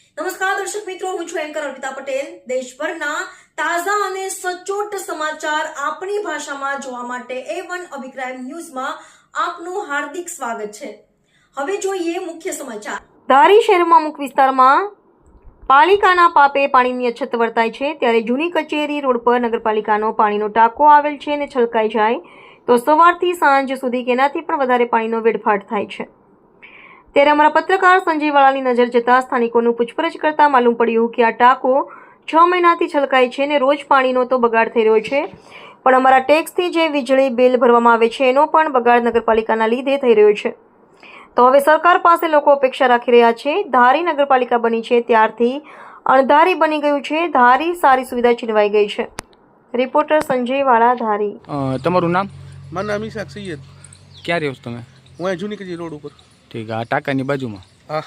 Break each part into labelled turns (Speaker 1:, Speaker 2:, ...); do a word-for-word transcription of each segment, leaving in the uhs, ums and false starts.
Speaker 1: નમસ્કાર દર્શક મિત્રો, હું છું એન્કર અર્પિતા પટેલ। દેશભરના તાજા અને સચોટ સમાચાર આપણી ભાષામાં જોવા માટે એ વન અભિપ્રાય ન્યૂઝમાં આપનું હાર્દિક સ્વાગત છે। હવે જોઈએ મુખ્ય સમાચાર। ધારી શહેરમાં અમુક વિસ્તારમાં પાલિકાના પાપે પાણીની અછત વર્તાય છે, ત્યારે જૂની કચેરી રોડ પર નગરપાલિકાનો પાણીનો ટાંકો આવેલ છે અને છલકાઈ જાય તો સવારથી સાંજ સુધી કે એનાથી પણ વધારે પાણીનો વેડફાટ થાય છે। ત્યારે અમારા પત્રકાર સંજય વાળાની નજર જતા સ્થાનિકોનું પૂછપરછ કરતા માલુમ પડ્યું કે આ ટાંકો છ મહિનાથી છલકાય છે અને રોજ પાણીનો તો બગાડ થઈ રહ્યો છે, પણ અમારા ટેક્સથી જે વીજળી બિલ ભરવામાં આવે છે એનો પણ બગાડ નગરપાલિકાના લીધે થઈ રહ્યો છે। તો હવે સરકાર પાસે લોકો અપેક્ષા રાખી રહ્યા છે। ધારી નગરપાલિકા બની છે ત્યારથી અણધારી બની ગયું છે। ધારી સારી સુવિધા છીનવાઈ ગઈ છે। રિપોર્ટર સંજય વાળા, ધારી।
Speaker 2: તમારું નામ?
Speaker 3: મારું નામ ઈશાક સૈયદ।
Speaker 2: ક્યાં રહ્યો છો તમે?
Speaker 3: હું અહીં જૂની કચેરી રોડ ઉપર।
Speaker 2: ઠીક, આ ટાંકાની બાજુમાં
Speaker 3: હા,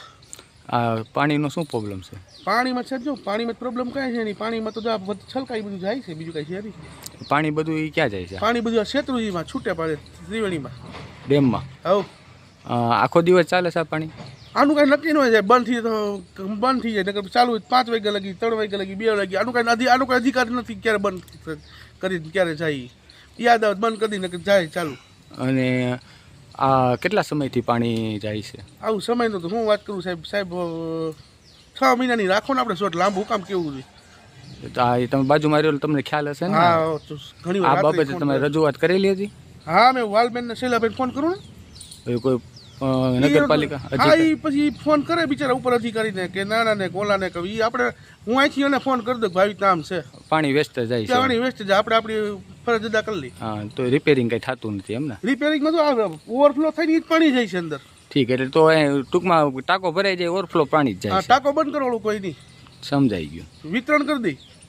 Speaker 2: આ પાણીનો શું પ્રોબ્લેમ છે?
Speaker 3: પાણીમાં છે જો પાણીમાં પ્રોબ્લેમ કાંઈ છે નહીં। પાણીમાં તો જો આ બધું છલકાઈ બધું જાય છે, બીજું કાંઈ છે નહીં।
Speaker 2: પાણી બધું એ ક્યાં જાય છે?
Speaker 3: પાણી બધું આ શેત્રુજીમાં છૂટે પડે, ત્રિવેણીમાં,
Speaker 2: ડેમમાં।
Speaker 3: હવ
Speaker 2: આખો દિવસ ચાલે છે આ પાણી?
Speaker 3: આનું કાંઈ નક્કી ન હોય જાય, બંધ થઈ તો બંધ થઈ જાય, નકર ચાલુ હોય પાંચ વાગ્યા લગી, ત્રણ વાગ્યા લગી, બે વાગ્યા, આનું કાંઈ અધિ આનું કાંઈ અધિકાર નથી ક્યારે બંધ કરી ક્યારે જાય, યાદ આવે બંધ કરી નકર જાય ચાલુ।
Speaker 2: અને આ કેટલા સમયથી પાણી જાય છે?
Speaker 3: આવું સમયનું તો હું વાત કરું સાહેબ સાહેબ છ મહિનાની રાખો ને આપણે શોટ, લાંબુ કામ કેવું છે?
Speaker 2: તો આ તમે બાજુમાં રહ્યો તમને ખ્યાલ હશે ને?
Speaker 3: હા, ઘણી
Speaker 2: આ
Speaker 3: વાર
Speaker 2: બાબતે તમે રજૂઆત કરેલી હતી?
Speaker 3: હા, મેં વાલબેન ને શૈલાબેન ફોન કરું ને,
Speaker 2: એ કોઈ નગરપાલિકા
Speaker 3: હા, એ પછી ફોન કરે બિચારા ઉપર અધિકારીને કે નાના ને કોલાને કે ઈ આપણે હું અહીંથી એને ફોન કરી દઉં કે ભાઈ નામ છે,
Speaker 2: પાણી વેસ્ટ જાય છે,
Speaker 3: પાણી વેસ્ટ જાય, આપણે આપણી ફરજ અદા કરી લઈ।
Speaker 2: હા, તો રિપેરિંગ કંઈ થતું નથી એમ ને?
Speaker 3: રિપેરિંગમાં તો ઓવરફ્લો થઈને જ પાણી જાય છે અંદર।
Speaker 2: ઠીક, એટલે તો એ ટૂંકમાં ટાંકો ભરાઈ જાય, ઓવરફ્લો પાણી જ
Speaker 3: હા,
Speaker 2: જાય છે।
Speaker 3: ટાંકો બંધ કરવાનું કોઈ નહીં,
Speaker 2: સમજાઈ ગયું,
Speaker 3: વિતરણ કરી દઈ।